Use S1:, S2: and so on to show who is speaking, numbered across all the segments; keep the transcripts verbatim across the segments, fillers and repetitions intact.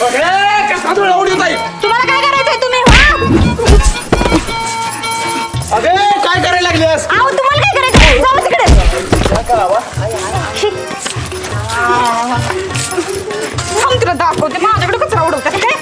S1: कसा डोळावून येत आहे?
S2: तुम्हाला काय करायचंय तुम्ही
S1: अगे काय करायला लागलीस?
S2: आहो तुम्हाला काय करायचंय जाऊ तिकडे
S1: काय करावा?
S2: थांब तुला दाखवते माझ्याकडे कचरा उडवतात काय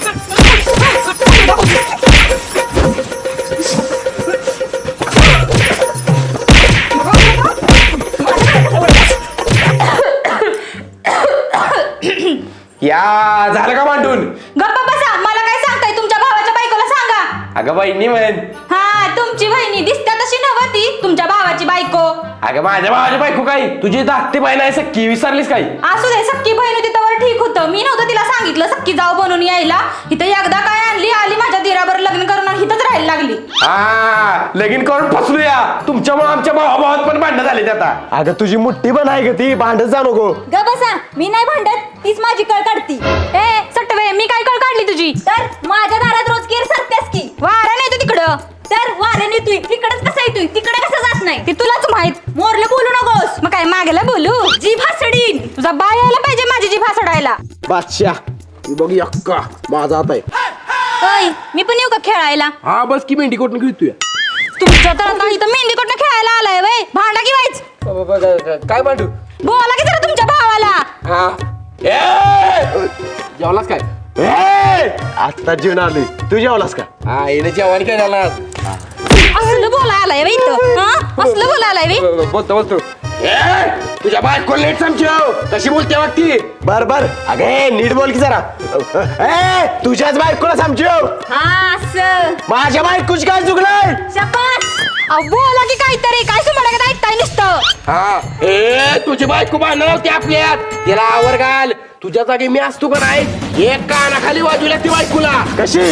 S1: या झालं का मांडून?
S2: गप्पा बसा मला काय सांगताय तुमच्या भावाच्या बायकोला सांगा
S1: अगं बहिणी म्हण.
S2: हा तुमची बहिणी दिसत्या तशी नव्हती तुमच्या भावाची बायको
S1: अगं माझ्या भावाची बायको काय तुझी धाकटी बहीण आहे सख्खी विसरलीस काय?
S2: असू दे सक्की बहीण होती तर ठीक होतं मी नव्हतं तिला सांगितलं सक्की जाऊ बनून यायला इथं एकदा काय आणली आली माझ्या दिराबर लग्न करून आणि इथंच राहायला लागली
S1: हा लगीन करून फसलूया तुमच्यामुळे आमच्या भावाभावात पण भांडण झाले आता. अगं तुझी मुठ्ठी पण आहे ग ती भांडत जा नको.
S2: ग बसा मी नाही भांडत तीच माझी कळ काढती ए सटवे मी काय कळ काढली तुझी तर माझ्या दारात रोज केर सरतेस की वारा नाही तू तिकडं तर वाऱ्याने तू तिकडच कसं येतोय तिकडे कसं जात नाही ते तुलाच माहित मोरलं बोलू नकोस मग काय मागला बोलू जीभ हसडीन तुझा बाय यायला पाहिजे माझी जीभ हसडायला
S1: बादशाह ही बघ यक्का माझा आता आहे.
S2: ओय मी पण येऊ का खेळायला
S1: हा बस की मेंढी कोटून घेतोय.
S2: तुमच्या तर आता इथं मेंढी कोटनं खेळायला आलाय वय भांडा की व्हायच
S1: काय मांडू?
S2: बोला की जरा तुमच्या भावाला
S1: हा ए! जेवलास काय? ए! आता जेवण आली तू जेवलास का? हा येणे जेवण काय झाला?
S2: असलं बोला आलाय वय इथं हा असलं बोला आलाय वय
S1: बोलतो बोलतो ए तुझ्या बायको लेट समजव कशी बोलते वाटती. बर बर अगे नीट बोल की जरा. ए तुझ्याच बायकोला समजव.
S2: हा असं
S1: माझ्या बायकोची काय चुकलंय?
S2: शपथ अहो बोला की काहीतरी काय तुम्हाला काय ऐकताय नुसतं
S1: हा ए तुझी बायको भांडण होती आपल्यात तिला आवर घाल तुझ्या जागी मी असतो का नाही एक कानाखाली बाजूला ती बायकोला कशी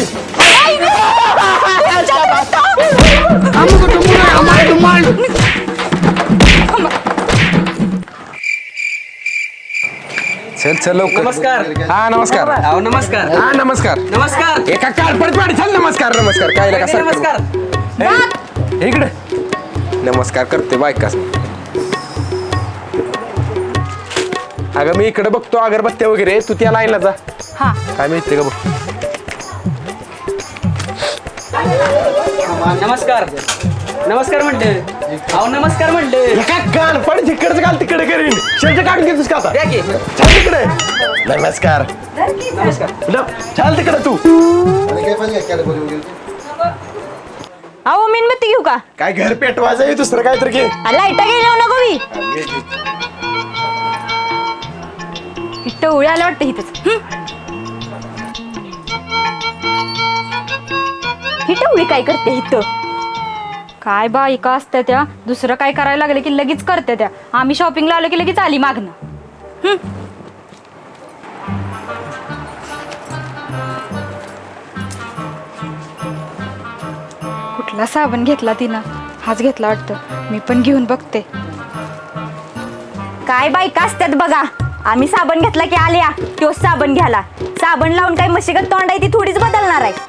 S1: चल चल लवकर.
S3: नमस्कार.
S1: हा नमस्कार.
S3: अहो नमस्कार
S1: हा नमस्कार.
S3: नमस्कार
S1: एका कारपड पाडी चल नमस्कार नमस्कार काय लगा सर
S3: नमस्कार
S1: ए, इकडे नमस्कार करते बायकास. अगं मी इकडे बघतो अगरबत्त्या वगैरे तू त्या लाईनला जा.
S2: हा
S1: काय मिळते का बघ.
S3: नमस्कार नमस्कार म्हणते अहो नमस्कार म्हणते
S1: एका कानपड तिकडचं घाल तिकडे करीन शर्ट काढून घेतोस का आता?
S3: द्या की.
S1: चल तिकडे नमस्कार न, चल तिकडे तू.
S2: अहो मेणबत्ती घेऊ का
S1: काय घर पेटवायचं आहे दुसरं काय तर घे.
S2: लाईटा गेल्या नको मी इथं उळे आलं वाटतं इथंच इथं उळी काय करते इथं काय बायका असत्या त्या दुसरं काय करायला लागलं की लगेच करते त्या आम्ही शॉपिंगला आलो की लगेच आली मागणं हम्म. कुठला साबण घेतला तिनं हाच घेतला वाटतं मी पण घेऊन बघते काय बायका असतात बघा आम्ही साबण घेतला की आल्या तोच साबण घ्याला साबण लावून काय मशीगत तोंड आहे ती थोडीच बदलणार आहे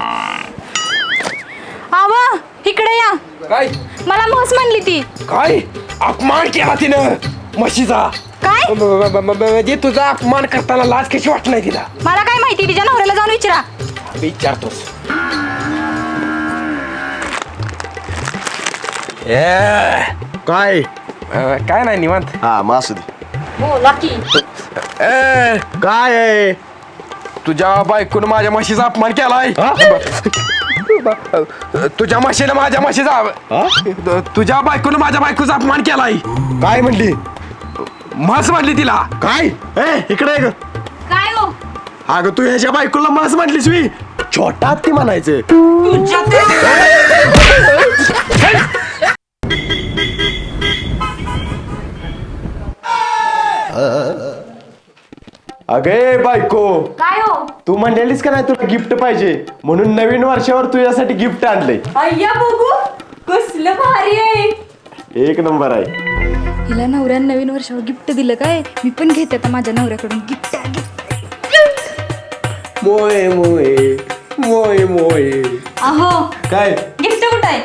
S2: आव इकडे या
S1: काय
S2: मला म्हस म्हणली ती
S1: काय अपमान केला तिनं म्हशीचा.
S2: काय
S1: ब- ब- ब- ब- म्हणजे तुझा अपमान करताना लाज कशी वाटत नाही तिला?
S2: मला काय माहिती तिच्या नवऱ्याला जाऊन विचारा
S1: विचारतोस. ए, काय अं, काय नाही निवांत. हा मासू दे.
S2: बोला की
S1: ए काय आहे तुझ्या बायकोनं माझ्या म्हशीचा अपमान केलाय. तुझ्या म्हशीनं माझ्या म्हशीचा तुझ्या बायकोनं माझ्या बायकोचा अपमान केलाय. काय म्हणली? म्हस म्हणली तिला. काय ए इकडे ये ग.
S2: काय हो
S1: अगं तू ह्याच्या बायकोला म्हस म्हटलीस मी छोटा ती म्हणायचं. अगे बायको
S2: काय हो
S1: तू म्हणलेलीस का नाही तुला गिफ्ट पाहिजे म्हणून नवीन वर्षावर तुझ्यासाठी गिफ्ट आणलंय.
S2: अय्या बघू कसलं भारी आहे
S1: एक नंबर आहे.
S2: हिला नवऱ्यानं नवीन वर्षावर गिफ्ट दिलं काय मी पण घेते आता माझ्या नवऱ्याकडून गिफ्ट
S1: मोये मोये मोये मोये.
S2: अहो
S1: काय
S2: गिफ्ट कुठं आहे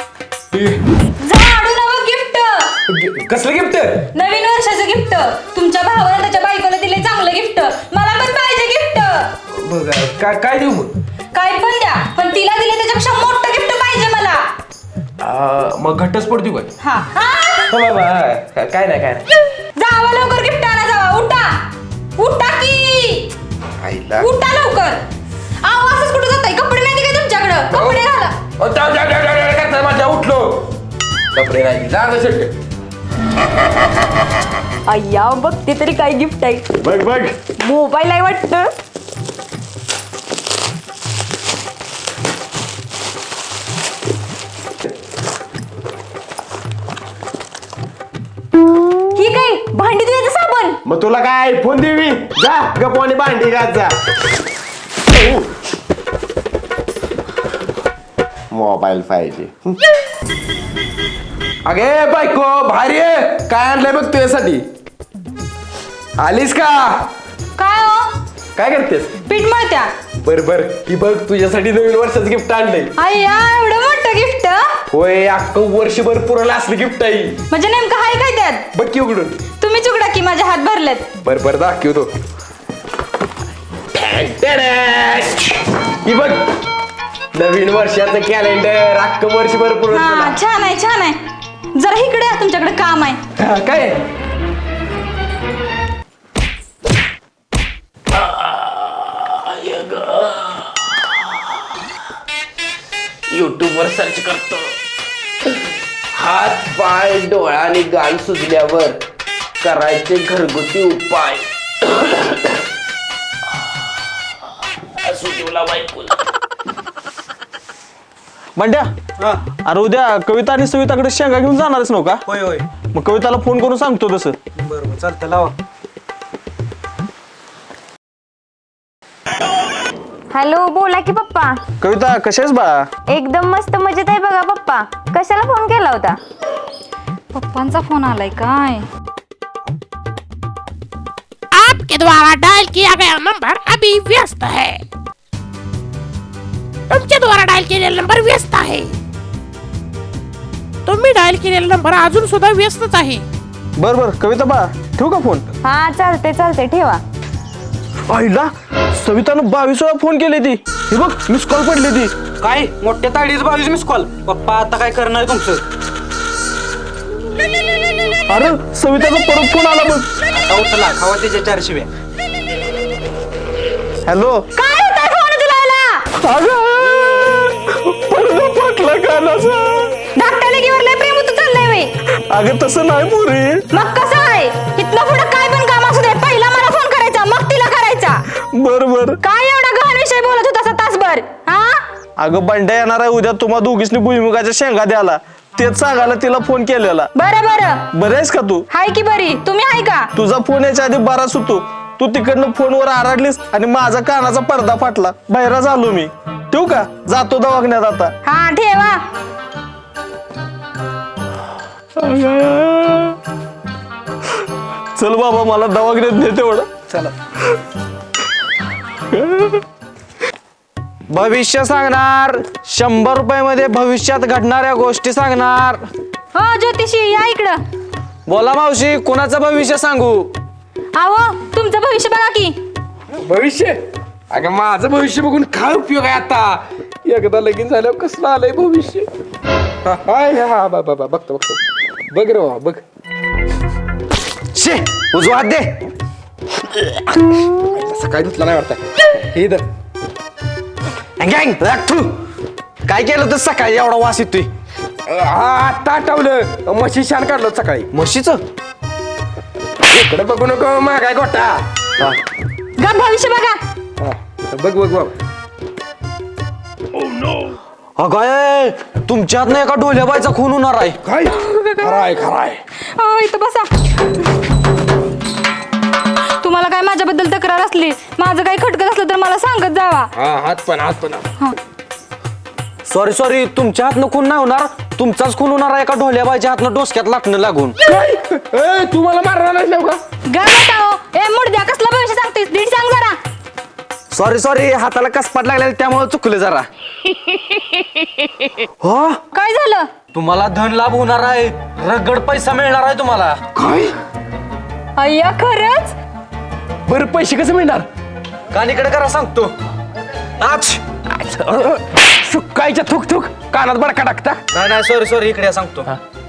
S2: झाडू नवं गिफ्ट
S1: कसलं गिफ्ट?
S2: नवीन वर्षाचं गिफ्ट तुमच्या भावाला त्याच्या बायकोला दिले चांगलं गिफ्ट मला पण पाहिजे गिफ्ट
S1: बघ काय काय देऊ मग
S2: काय पण द्या, पण तिला दिले त्याच्यापेक्षा मोठं गिफ्ट पाहिजे मला.
S1: आ, मग घटस्फोट देऊ काय
S2: हा हा.
S1: हो बाबा काय नाही काय नाही
S2: जावा लवकर गिफ्ट आणा जावा. उठा उठा की
S1: आईला
S2: उठा लवकर. आव असंच कुठं जाताय? कपडे नाही काय तुमच्याकडं? कपडे घाला.
S1: ओ, जाऊ, जाऊ, जाऊ, जाऊ, जाऊ, जाऊ, माझ्या उठलो कपडे नाही जा गं शेट.
S2: अय्या बघते तरी काय गिफ्ट आहे.
S1: बघ बघ
S2: मोबाईल आहे वाटतं. ही काय भांडी धुण्याचं साबण?
S1: मग तुला काय फोन देवी जा गप्पाने भांडी घात जा. मोबाईल पाहिजे अगे बायको भारी आहे. काय आणलंय बघ तुझ्यासाठी. आलीस का
S2: काय हो?
S1: काय करतेस
S2: पीठ मळत्या.
S1: बर बर ही बघ तुझ्यासाठी नवीन वर्षाचं गिफ्ट आणलंय.
S2: अय्या एवढं मोठं गिफ्ट?
S1: होय अख्खं वर्षभर पुरलं असलं गिफ्ट आहे.
S2: म्हणजे नेमकं हाय काय त्यात?
S1: बघ की उघडून.
S2: तुम्हीच उघडा की माझे हात भरलेत.
S1: बर बर दाखवतो. ही बघ नवीन वर्षाचं कॅलेंडर अख्खं वर्षभर
S2: हा
S1: पुरलं.
S2: छान आहे छान आहे. जरा इकडे या, तुमच्याकडे काम आहे.
S1: हा, काय युट्यूब वर सर्च करतो. हात पाय डोळा आणि गाल सुजल्यावर करायचे घरगुती उपाय. सुजवला बायकोला.
S4: बंड्या अरे उद्या कविता आणि सविताकडे शेंगा घेऊन जाणारच नव्ह का?
S3: होय होय
S4: मग कविताला फोन करून सांगतो तसं.
S3: बरोबर चालतं लावा.
S5: हॅलो बोला की पप्पा.
S4: कविता कशी आहेस बाळा?
S5: एकदम मस्त मजेत आहे बघा पप्पा. कशाला फोन केला होता?
S2: पप्पांचा फोन आलाय काय?
S6: आपके द्वारा डायल किया गया नंबर अभी व्यस्त है. तुमच्या द्वारा डायल केलेला नंबर व्यस्त आहे. तुम्ही डायल केलेला नंबर अजून सुद्धा व्यस्तच आहे.
S4: बर बर कविता बाळा ठेवू का फोन?
S5: हा चालते चालते ठेवा.
S4: आईला सवितानं बावीस वेळा फोन केली ती. हे बघ मिस कॉल पडली ती.
S3: काय मोठ्या ताडीच बावीस मिस कॉल. पप्पा आता काय करणार आहे तुमचं?
S4: अरे सविताचा परत फोन आला बघ.
S3: आता उचला खावा त्याच्या चार शिव्या.
S4: हॅलो
S2: काय होता फोन तुला?
S4: पडदा फाटला कानाचा.
S2: धाकट्या लेकीवर लय प्रेम होतं चाललंय वे.
S4: अगं तसं नाही पोरी.
S2: मग कसं आहे? इथलं पुढं काय पण काम असू दे पहिला मला फोन करायचा मग तिला करायचा.
S4: बर बर.
S2: काय एवढा गहन विषय बोलत होता तासभर? हा
S4: अगं बंड्या येणार आहे उद्या तुम्हा दोघीसनी भुईमुगाच्या शेंगा द्याला. तेच सांगायला तिला फोन केलेला.
S2: बरं बरं
S4: बरं आहेस का तू?
S2: हाय की बरी. तुम्ही हाय का?
S4: तुझा फोन याच्या आधी बराच होतो. तू तिकडनं फोनवर आरडलीस आणि माझा कानाचा पडदा फाटला. बहिरा झालो मी. ठेवू का? जातो दवाखान्यात आता.
S2: हा ठेवा.
S4: चल बाबा मला दवाखान्यात ने तेवढं.
S3: चला.
S4: भविष्य सांगणार. शंभर रुपये मध्ये भविष्यात घडणाऱ्या गोष्टी सांगणार.
S2: हो ज्योतिषी या इकडं.
S4: बोला मावशी कोणाचं भविष्य सांगू?
S2: आवो तुमचं भविष्य बघा की.
S1: भविष्य अगं माझं भविष्य बघून काय उपयोग आहे आता. एकदा लगीन झाल्यावर कसलं आलंय भविष्य. हा हाय हा बा बा बघतो बघतो बघ रे बाबा बघ. शे उजवा हात दे. सकाळी धुतला नाही वाटत. हे दर काय केलं तर सकाळी एवढा वास येतोय. हा आता आठवलं म्हशी शान काढलो सकाळी. म्हशीच इकडे बघू नको मागाय गोटा.
S2: गा भविष्य बघा.
S1: हा, बघ बघ बघ.
S4: अगाय तुमच्यात नाही एका ढोल्या बायचा खून होणार आहे.
S1: काय खराय खराय.
S2: हो इथं बसा. तुम्हाला काय माझ्याबद्दल तक्रार असली माझं काही खटकत असलं तर मला सांगत जावा.
S1: हा हात पण हात पण.
S4: सॉरी सॉरी तुमच्या हातनं खून नाही होणार. तुमचाच खून होणार आहे एका ढोल्या बायच्या हातनं डोसक्यात लाटणं लागून.
S1: ए तू मला मारणार नाहीस नव्हता.
S2: गा बताओ. ए मुडद्या कसला भविष्य सांगतेस? नीट सांग जरा.
S4: सॉरी सॉरी हाताला कसपाट लागलेला त्यामुळे चुकलं जरा. हो
S2: काय झालं?
S4: तुम्हाला धन लाभ होणार आहे. रगड पैसा मिळणार आहे तुम्हाला.
S1: काय
S2: अय्या खरंच?
S1: बरं पैसे कसं मिळणार?
S4: कानीकडे करा सांगतो.
S1: आज सुकायच्या थुक थुक कानात बडका टाकता.
S4: नाही नाही सॉरी सॉरी इकडे या सांगतो.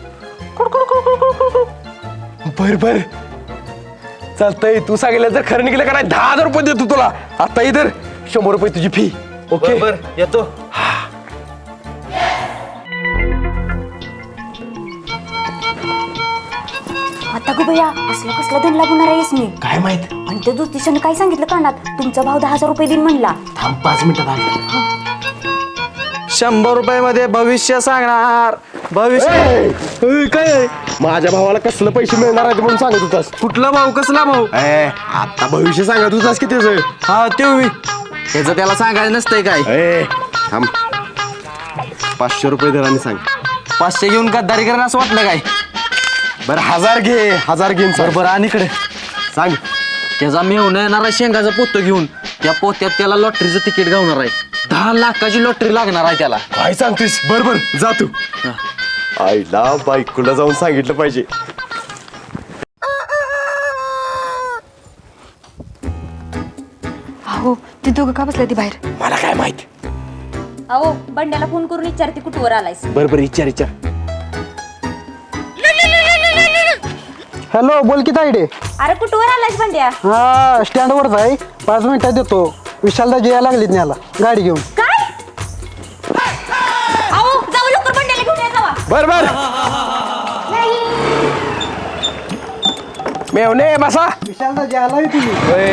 S1: बर बर चालतंय. तू सांगितलं जर खरं निघलं का नाही दहा हजार रुपये देतो तुला. आता इधर शंभर रुपये तुझी फी. ओके
S4: बर येतो.
S2: आता गो बया असला कसला धन लागणार आहेस मी.
S1: काय माहित.
S2: आणि त्या ज्योतिषाने काय सांगितलं कानात तुमचा भाव दहा हजार रुपये देईन म्हणला.
S1: थांब पाच मिनिटात आले.
S4: शंभर रुपये मध्ये भविष्य सांगणार. भविष्य
S1: काय माझ्या भावाला कसलं पैसे मिळणार आहेत म्हणून सांगत होतास.
S4: कुठला भाऊ कसला भाऊ?
S1: ए, आता भविष्य सांगत होतास की त्याचं.
S4: हा ते त्याचं त्याला सांगायचं नसतंय काय.
S1: ए थांब पाचशे रुपये दर आणि सांग.
S4: पाचशे घेऊन गद्दारी करणं असं वाटलं काय?
S1: बरं हजार घे. हजार घेऊन सांग.
S4: बरोबर आणि इकडे
S1: सांग.
S4: त्याचा मेहून येणार आहे शेंगाचा पोतं घेऊन. त्या पोत्यात त्याला लॉटरीचं तिकीट गावणार आहे. दहा लाखाची लॉटरी लागणार आहे त्याला.
S1: काय सांगतोस. बर बर जा तू. आईला बायकोला जाऊन सांगितलं पाहिजे.
S2: अहो ती दोघं का बसल्या ती बाहेर.
S1: मला काय माहित.
S2: अहो बंड्याला फोन करून विचारते कुठवर आलायस.
S1: बर बर विचार विचार.
S7: हॅलो बोल की तायडे.
S2: अरे कुठवर आलायस बंड्या.
S7: हा स्टँडवरच आहे. पाच मिनिटात येतो. विशालदा यायला लागलीत न्याला गाडी घेऊन.
S2: काय अहो जाऊ लवकर बंड्याला घेऊन या जावा.
S1: बर बर मेवणे बसा.
S7: विशालदा यायला तुम्ही.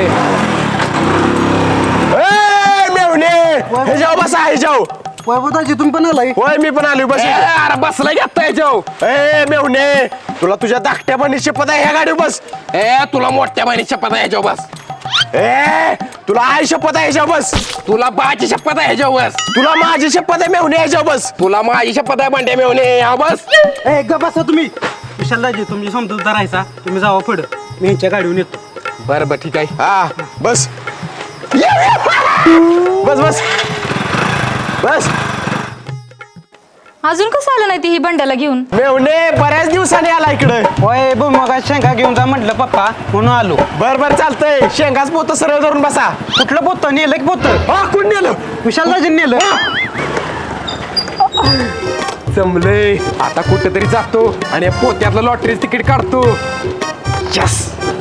S1: ए मेवणे हे जाऊ बसा. हे जाऊ.
S7: वैभवताजी तुम्ही पण आलाय.
S1: होय मी पण आलो. बस अरे बसला घेता याच्याव. ए मेवणे तुला तुझ्या धाकट्या बहिणी शपथ आहे ह्या गाडीवर बस. ए तुला मोठ्या बहिणी शपथ आहे ह्याच्यावर बस. ए तुला आई शपथ आहे ह्याच्यावर बस. तुला बाची शपथ आहे ह्याच्यावर बस. तुला माझी शपथ आहे मेवणे ह्याच्यावर बस. तुला माझी शपथ आहे बंड्या मेवणे हा बस.
S7: ए ग बसा तुम्ही. विशालदाजी तुम्ही समजूतदार राहायचा. तुम्ही जावा पुढं. मी यांच्या गाडीवर येतो.
S1: बरं बरं ठीक आहे. हा बस बस बस बस.
S2: अजून कसं आलं नाही ती ही बंड्याला घेऊन.
S1: मेवणे बऱ्याच दिवसाने आला इकडे.
S7: होय बघ मग शेंगा घेऊन जा म्हटलं पप्पा म्हणून आलो.
S1: बर बर चालतंय. शेंगाच पोत सरळ धरून बसा.
S7: कुठलं पोतं नेलं की पोतं.
S1: हा कोण नेलं.
S7: विशालदाजी नेलं.
S1: जमलंय. आता कुठेतरी जातो आणि पोत्यातलं लॉटरीच तिकीट काढतो. यस.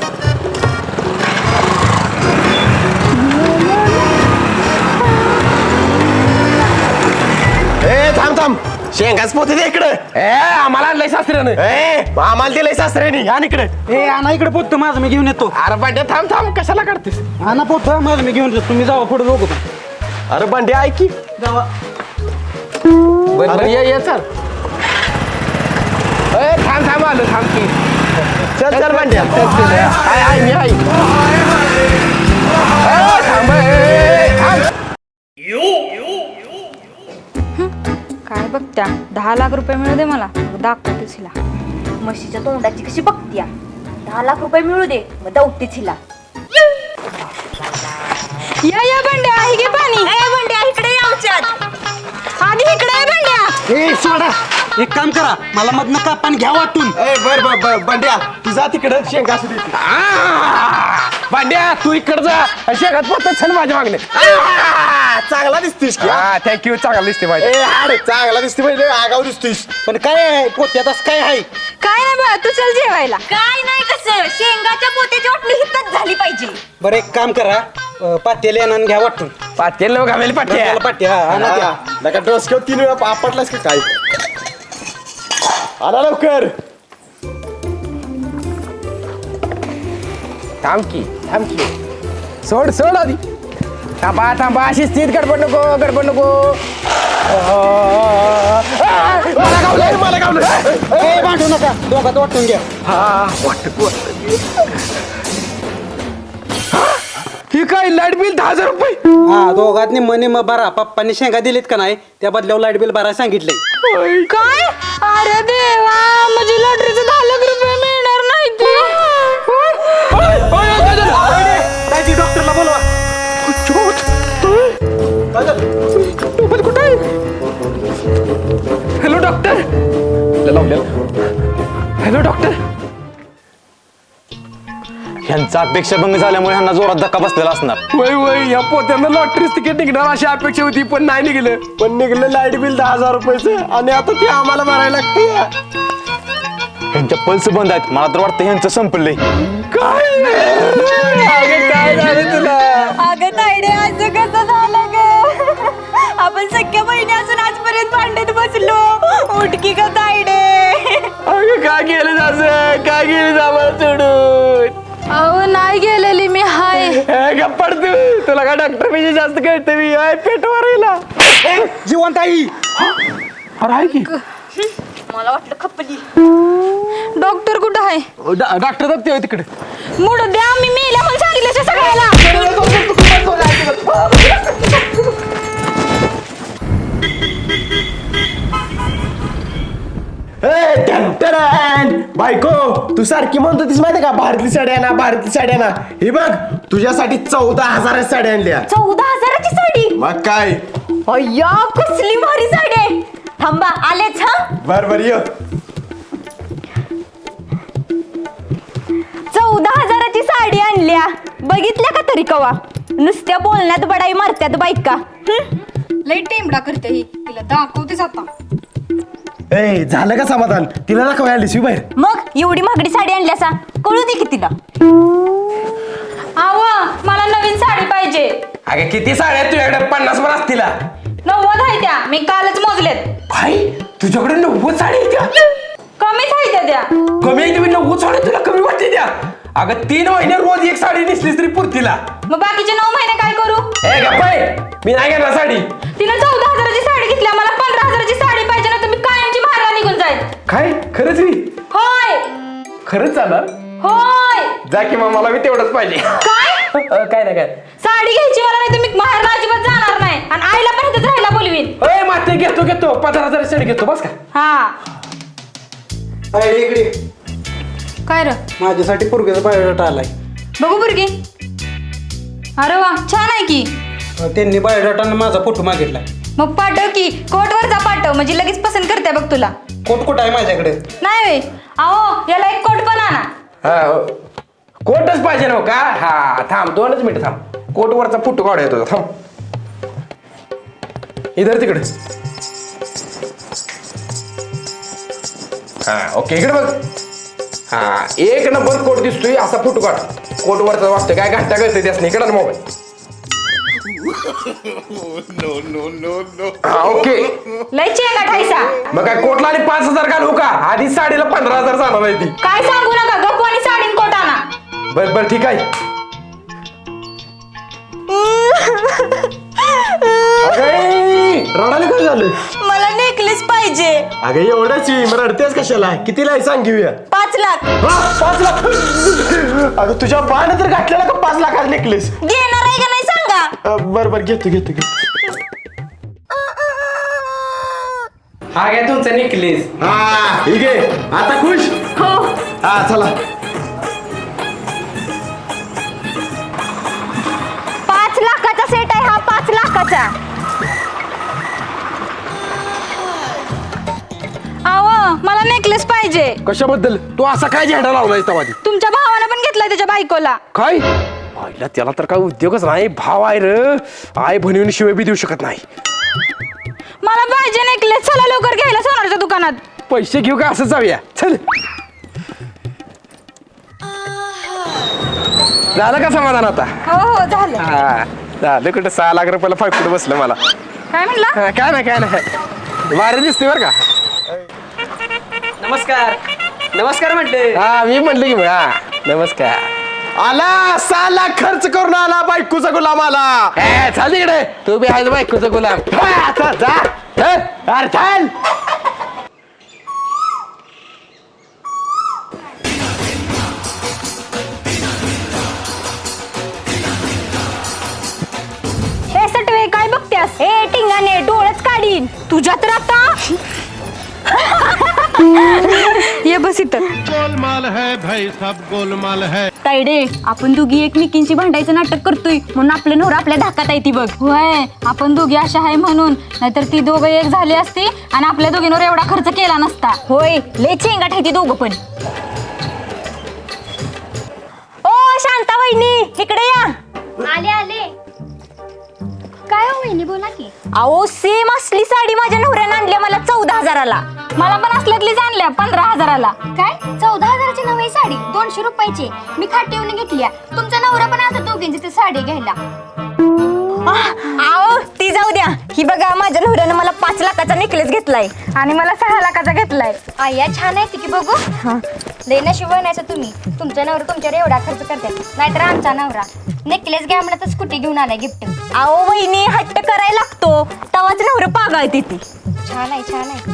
S1: ए थांब थांब. शेंगाच पोते दे इकडे. ए आम्हाला आणलंय सासऱ्यानं. ए आम्हाला दिलंय सासऱ्याने. आणि इकडे.
S7: ए आणा इकडे पोतं माझं मी घेऊन येतो.
S1: अरे बंड्या थांब थांब कशाला काढतेस.
S7: आणा पोतं माझं मी घेऊन येतो. तुम्ही जावा पुढे दोघं पण.
S1: अरे बंड्या ऐक की.
S7: जावा.
S1: बरं ये ये चल. ए थांब थांब आलो थांब की. चल चल बंड्या चल चल. आय आय मी आई. ए, थांब ए, थांब.
S2: काय बघत्या दहा लाख रुपये मिळू दे मला मग दाखवतेच हिला. म्हशीच्या तोंडाची कशी बघत्या. दहा लाख रुपये मिळू दे मग दौतीच हिला. या या बंड्या आहे की पाणी. ए बंड्या इकडे ये आमच्यात. आधी इकडे ये बंड्या.
S7: ए सोडा. एक काम करा मला मधनं कापान घ्या वाटून.
S1: ए बर बर बर बंड्या तू जा तिकडं शेंगा असू दे. आ, बंड्या तू इकडं जा आणि शेंगात पोत छान माझ्या मागणे. चांगला दिसतीस की. हा थँक्यू. चांगला दिसते पाहिजे. ए अरे चांगला दिसते पाहिजे. आगाव दिसतीस.
S7: पण काय आहे पोत्यात असं काय आहे.
S2: काय नाही बा तू चल जेवायला. काय नाही कसं शेंगाच्या पोत्याची वाटणी हितच झाली पाहिजे.
S7: बरं एक काम करा अं, पातेले आणून घ्या वाटून.
S1: पातेल लोक घालेल पाट्या.
S7: त्याला पाटी हा आणा द्या.
S1: नका डोस घेऊ. तीन वेळा आपटलास की काय. आला लवकर. थांब की थांब की. सोड सोड आधी. थांबा थांबा अशी स्थित गडबड नको गडबड नको. मला गावलंय मला गावलंय.
S7: ए भांडू नका दोघात वाटून घ्या.
S1: हा वाटत ही काय लाईट बिल दहा हजार रुपये.
S7: हा दोघात मनी मग बरा पप्पांनी शेंगा दिलीत का नाही त्या बदल्यावर लाईट बिल भरायला सांगितलंय.
S2: काय अरे देवा म्हणजे लॉटरीचे दहा लाख रुपये मिळणार नाही ते.
S7: डॉक्टरला बोलवा.
S1: कुठे आहे. Hello doctor. Hello doctor. ह्यांचा
S4: चापेक्षाभंग झाल्यामुळे ह्यांना जोरात धक्का बसलेला असणार.
S1: वय वय या पोत्यांना लॉटरीच तिकीट निघणार अशी अपेक्षा होती पण नाही निघलं. पण निघलं लाईट बिल दहा हजार रुपयाचं आणि आता ते आम्हाला भरायला लागते.
S4: ह्यांच्या पल्स बंद आहेत. मला तर वाटतं ह्यांचं संपलंय.
S1: काय अगं काय झालं तुला?
S2: अगं तायडे असं कसं झालं ग? आपण सख्या बहिणी असून आजपर्यंत भांडत बसलो. उठकी ग तायडे.
S1: अगं काय केलं असं? काय केलं आम्हाला सोडून?
S2: अहो नाही गेलेली मी हाय.
S1: गप्पड तू तुला काय डॉक्टर पेक्षा जास्त कळतं मी पेट वरायला.
S7: जिवंत आई.
S1: अरे आहे की
S2: मला वाटलं खपली. डॉक्टर कुठं आहे?
S1: डॉक्टर दाबते तिकडे.
S2: मुड द्या मी मेल्या म्हणून सांगितलं सगळ्याला.
S1: बायको तू सारखी म्हणत होतीस माहिती का भारतीय साड्या ना भारतीय साड्या ना. हे बघ तुझ्यासाठी चौदा हजाराची साड्या आणल्या.
S2: चौदा हजाराची साडी?
S1: मग काय
S2: अय्या कसली भारी साडी आहे. थांबा आलेच हा.
S1: बर बर ये.
S2: चौदा हजाराची साडी आणल्या. बघितल्या का तरी कवा? नुसत्या बोलण्यात बडाई मारत्यात बायका.
S8: लई टेमडा करते ही. तिला दाखवतेच आता.
S1: ए झालं का समाधान? तिला दाखवाय आलीस बाहेर.
S2: मग एवढी महागडी साडी आणल्यासा कळू दे की तिला. आव मला नवीन साडी पाहिजे.
S1: अगे किती साड्या तुझ्याकडे? पन्नास पण असतील.
S2: नव्वद आहे त्या. मी कालच मोजलेत.
S1: काय तुझ्याकडे नव्वद साडी आहेत त्या?
S2: कमीच आहे त्या त्या.
S1: कमी आहे तुम्ही नव्वद साडी तुला कमी वाटते त्या? अगं तीन महिने रोज एक साडी नेसलीस तरी पुरतीला.
S2: मग बाकीचे नऊ महिने काय करू?
S1: ए गप्पाय मी नाही घेणार साडी.
S2: तिनं चौदा हजाराची साडी घेतल्या. मला पंधरा हजाराची साडी पाहिजे ना. तुम्ही कायमची मारा निघून जाईल.
S1: काय खरंच मी
S2: होय
S1: खरंच चालणार?
S2: होय.
S1: जा की मग मला मी तेवढंच पाहिजे.
S2: काय
S1: काय नाही काय.
S2: साडी घ्यायची मला नाही. तुम्ही माहेर अजिबात जाणार नाही. आणि आईला पण इथेच राहायला बोलवीन.
S1: अय माते घेतो घेतो पंधरा हजार साडी घेतो बस का.
S2: हा
S7: इकडे
S8: काय र?
S7: माझ्यासाठी पोरगेचा बायोडाटा आलाय.
S2: बघू बुरगी. अरे वा छान आहे की.
S7: त्यांनी बायोडाटानं माझा फोटो मागितलाय.
S2: मग पाठव की कोटवरचा पाठव म्हणजे लगेच पसंत करते बघ तुला.
S7: कोट कोट आहे माझ्याकडे.
S2: नाही वे अहो याला एक कोट पण आणा.
S1: हा कोटच पाहिजे ना का. हा थांब दोनच मिनिट थांब. कोटवरचा फोटो काढा येतो थांब. इधर तिकडे. हा ओके इकडे बघ. हा एक नंबर कोट दिसतोय असा फोटो काढ. कोटवरचा वाटतं काय घंटा कळतंय त्यासनी. इकडे मोबाईल. हा ओके
S2: लय चेंगा ठायसा.
S1: मग काय कोटला आणि पाच हजार घालू का? आधी साडीला पंधरा हजार जाणार आहे ती.
S2: काय सांगू नका गप्प आणि साडीन कोट आणा.
S1: बर बर ठीक आहे. रडायला काय झालं?
S2: मला नेकलेस पाहिजे.
S1: अगं एवढंच मग रडतेस कशाला? कितीला आहे सांग घेऊया.
S2: पाच लाख.
S1: हा, पाच लाख. अगं तुझ्या बाण तर घातलेला का पाच लाखाचा नेकलेस?
S2: घेणार आहे का नाही सांगा.
S1: बर बर घेतो घेतो घेतो.
S3: हा घ्या तुमचा नेकलेस.
S1: हा ठीक आहे आता खुश.
S2: हो
S1: हा चला.
S2: पाच लाखाचा सेट आहे हा. पाच लाखाचा. आव मला नेकलेस पाहिजे.
S1: कशाबद्दल? तू असा काय झेंडा लावलाय तवादी?
S2: तुमच्या भावानं पण घेतलाय त्याच्या बायकोला.
S1: काय आईला त्याला तर काय उद्योगच नाही. भाव आहे र. आई बनवून शिवाय बी देऊ शकत नाही.
S2: मला पाहिजे नेकलेस. चला लवकर घ्यायला सोनारच्या दुकानात.
S1: पैसे घेऊ का असं जाऊया चल. झालं का समाधान आता?
S2: हो हो झालं.
S1: हा झालं. कुठं सहा लाख रुपयाला फायकुट बसलं मला.
S2: काय म्हणला?
S1: हा, काय नाही काय नाही. भारी दिसते बरं का.
S3: नमस्कार नमस्कार म्हणते.
S1: हा मी म्हणलं की हा नमस्कार. आला सहा लाख खर्च करून आला बायकोचा गुलाम आला. ए, चाल इकडे. तू बी आहे बायकोचा गुलाम. हा, आता जा. हे, अरे चाल.
S2: ए सटवे काय बघत्यास? ए टिंगाने डोळच काढीन तुझ्या तर आता. ये बस इथं.
S9: गोलमाल है भाई सब गोलमाल है.
S2: तायडे आपण दोघी एकमेकींची भांडायचं नाटक करतोय म्हणून आपले नवरा आपल्या धाकात आहे ती बघ. होय आपण दोघी अशा आहे म्हणून. नाहीतर ती दोघं एक झाली असती आणि आपल्या दोघींवर एवढा खर्च केला नसता. होय लय चेंगाट आहे ती दोघं पण. ओ शांता वहिनी इकडे या.
S8: आले आले काय हो वहिनी बोला की.
S2: अहो सेम असली साडी माझ्या नवऱ्यानं आणली मला चौदा हजाराला. मला पण असल्यातलीच आणल्या पंधरा हजाराला.
S8: काय चौदा हजाराची नवी साडी दोनशे रुपयाची मी खाटी येऊन घेतली. तुमचा नवरा पण आता दोघींची ती साडी घ्यायला.
S2: अहो ती जाऊ द्या. ही बघा माझ्या नवऱ्यानं मला पाच लाखाचा नेकलेस घेतलाय आणि मला सहा लाखाचा घेतलाय.
S8: आया छान आहे की बघू. लय नशीब बनायचं तुम्ही. तुमचा नवरा तुमच्यावर एवढा खर्च करते नाहीतर आमचा नवरा नेकलेस घ्या म्हणलं तर स्कूटी घेऊन आलाय गिफ्ट.
S2: अहो वहिनी हट्ट करायला लागतो तवाच नवरं पागाळते ती.
S8: छान आहे छान आहे.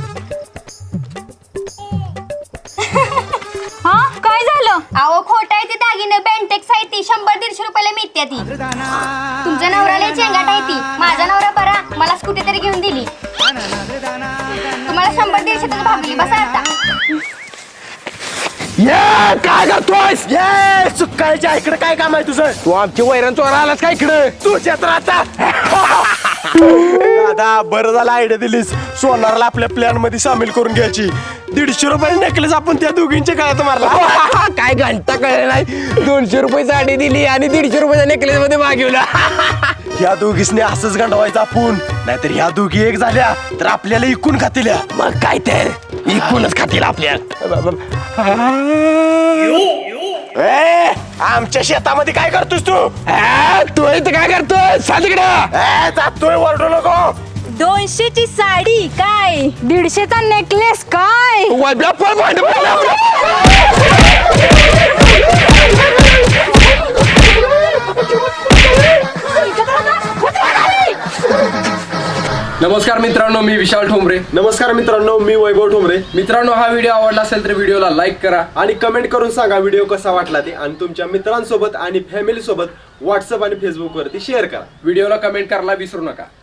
S2: हा काय झालं?
S8: अहो खोट आहे ती दागिने बेंटेक्स आहे ती शंभर दीडशे रुपयाला मिळते ती. तुमच्या नवऱ्याला चेंगाट आहे ती. माझा नवरा बरा मला स्कूटी तरी घेऊन दिली. तुम्हाला शंभर दीडशे तर भागली बसा आता.
S1: ये काय करतोयस?
S4: ये सुकायच्या इकडे काय काम आहे तुझं?
S1: तू आमची वैरण चोरा आलास का इकडे?
S4: तुझ्या तर आता दादा बरं झालं आयडिया दिलीस. सोनारला आपल्या प्लॅन मध्ये सामील करून घ्यायची. दीडशे रुपये नेकलेस आपण त्या दोघींच्या काळात मारला.
S1: काय घंटा कळलं नाही. दोनशे रुपये साडी दिली आणि दीडशे रुपयाच्या नेकलेस मध्ये मागवला.
S4: ह्या दोघीसने असंच गंडवायचं आपण. नाहीतर ह्या दोघी एक झाल्या तर आपल्याला इकून खातील.
S1: मग काय तर इकूनच खातील आपल्याला.
S4: ए, आमच्या शेतामध्ये काय करतोस तू?
S1: आ, तू इथं काय करतोय? सांग तिकडं.
S4: ए, जातोय वरडू नको.
S2: दोनशेची साडी काय दीडशेचा नेकलेस काय.
S1: वळब्या पळ भांड पडलं. नमस्कार मित्रांनो, मी विशाल ठोंबरे.
S4: नमस्कार मित्रांनो, मी वैभव ठोंबरे.
S1: मित्रांनो, हा व्हिडिओ आवडला असेल तर व्हिडिओला लाईक करा
S4: आणि कमेंट करून सांगा व्हिडिओ कसा वाटला ते. आणि तुमच्या मित्रांसोबत आणि फॅमिली सोबत व्हॉट्सअप आणि फेसबुक वरती शेअर करा.
S1: व्हिडिओला कमेंट करायला विसरू नका.